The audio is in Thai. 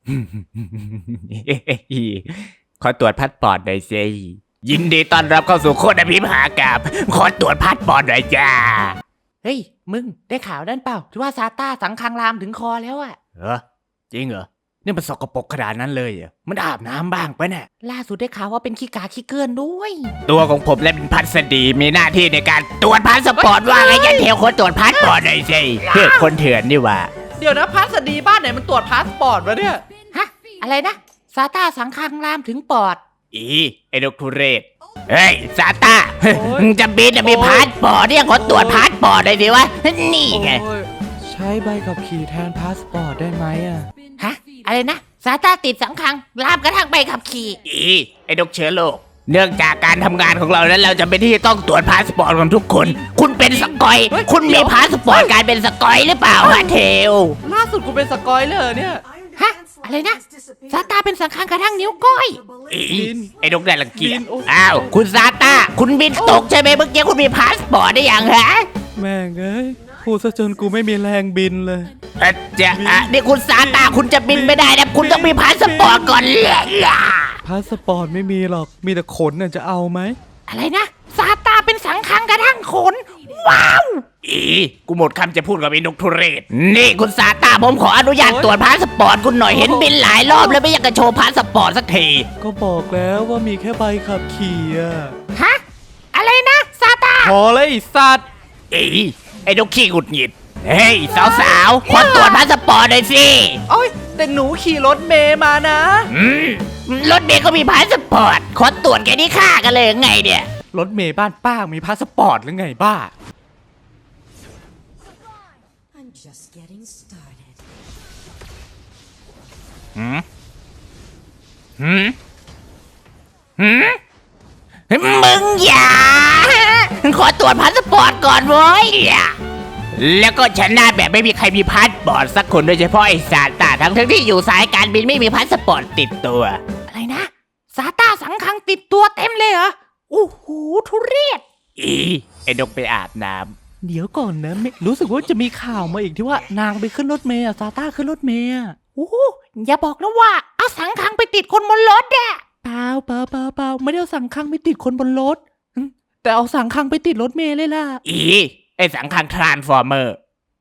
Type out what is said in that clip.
ขอตรวจพาสปอร์ตหน่อยสิยินดีต้อนรับเข้าสู่โคตรพิมหากาบขอตรวจพาสปอร์ตหน่อยจ้าเฮ้ยมึงได้ข่าวนั่นเปล่าที่ว่าซาต้าสังคังรามถึงคอแล้วอะจริงเหรอนี่มันสกปรกขนาดนั้นเลยเหรอมันอาบน้ำบ้างปะเนี่ยล่าสุดได้ข่าวว่าเป็นขี้กาขี้เกินด้วยตัวของผมและเป็นพัสดีมีหน้าที่ในการตรวจพาสปอร์ตว่าไงยันเทลคนตรวจพาสปอร์ตหน่อยสิเพื่อคนเถื่อนนี่ว่าเดี๋ยวนะพาสดีบ้านไหนมันตรวจพาสปอร์ตวะเนี่ยฮะอะไรนะซาต้าสังคังรามถึงปอดไอ้ดกทุเรศเฮ้ยซาต้าจะบินจะมีพาสปอร์ตเนี่ยขอตรวจพาสปอร์ตหน่อยสิวะนี่ไงใช้ใบขับขี่แทนพาสปอร์ตได้ไหมอะฮะอะไรนะซาต้าติดสังคังรามกระทั่งใบขับขี่ไอ้ดกเชื้อโรคเนื่องจากการทำงานของเรานั้นเราจะเป็นที่ต้องตรวจพาสปอร์ตของทุกคนคุณเป็นสกอยคุณมีพาสปอร์ตการเป็นสกอยหรือเปล่าฮะเทลล่าสุดกูเป็นสกอยเลยเนี่ยฮะอะไรนะซาต้าเป็นสังคังกระทั่งนิ้วก้อยไอ้ดกได้รังเกียจอ้าวคุณซาต้าคุณบินตกใช่ไหมเมื่อกี้คุณมีพาสปอร์ตได้ยังฮะแม่งเอ้ยพูดซะจนกูไม่มีแรงบินเลยนี่คุณซาต้าคุณจะบินไม่ได้นะคุณต้องมีพาสปอร์ตก่อนเลยพาสปอร์ตไม่มีหรอกมีแต่ขนน่ะจะเอาไหมอะไรนะซาต้าเป็นสังคังกระทั่งขนว้าวกูหมดคำจะพูดกับไอ้นกทุเรศนี่คุณซาต้าผมขออนุญาตตรวจพาสปอร์ตคุณหน่อยเห็นบินหลายรอบแล้วไม่อยากจะโชว์พาสปอร์ตสักทีก็บอกแล้วว่ามีแค่ใบขับขี่อะฮะอะไรนะซาต้าพอเลยสัตว์ไอ้นกขี้หงุดหงิดเฮ้ยสาวๆขอตรวจพาสปอร์ตหน่อยสิโอ้ยแต่หนูขี่รถเมย์มานะรถเมย์ก็มีพาสปอร์ตขอตรวจแกนี่ฆ่ากันเลยไงเนี่ยรถเมย์บ้านป้ามีพาสปอร์ตหรือไงบ้ามึงอย่าขอตรวจพาสปอร์ตก่อนเว้ยแล้วก็ชนะแบบไม่มีใครมีพาสปอร์ตสักคนโดยเฉพาะไอ้ซาต้าทั้งที่อยู่สายการบินไม่มีพาสปอร์ตติดตัวอะไรนะซาต้าสังคังติดตัวเต็มเลยเหรอโอ้โหทุเรศไอ้ดกไปอาบน้ำเดี๋ยวก่อนนะรู้สึกว่าจะมีข่าวมาอีกที่ว่านางไปขึ้นรถเมย์ซาต้าขึ้นรถเมย์โอ้อย่าบอกนะว่าเอาสังคังไปติดคนบนรถอะเปล่าไม่ได้เอาสังคังไปติดคนบนรถแต่เอาสังคังไปติดรถเมย์เลยล่ะไอ้สังคังทรานส์ฟอร์เมอร์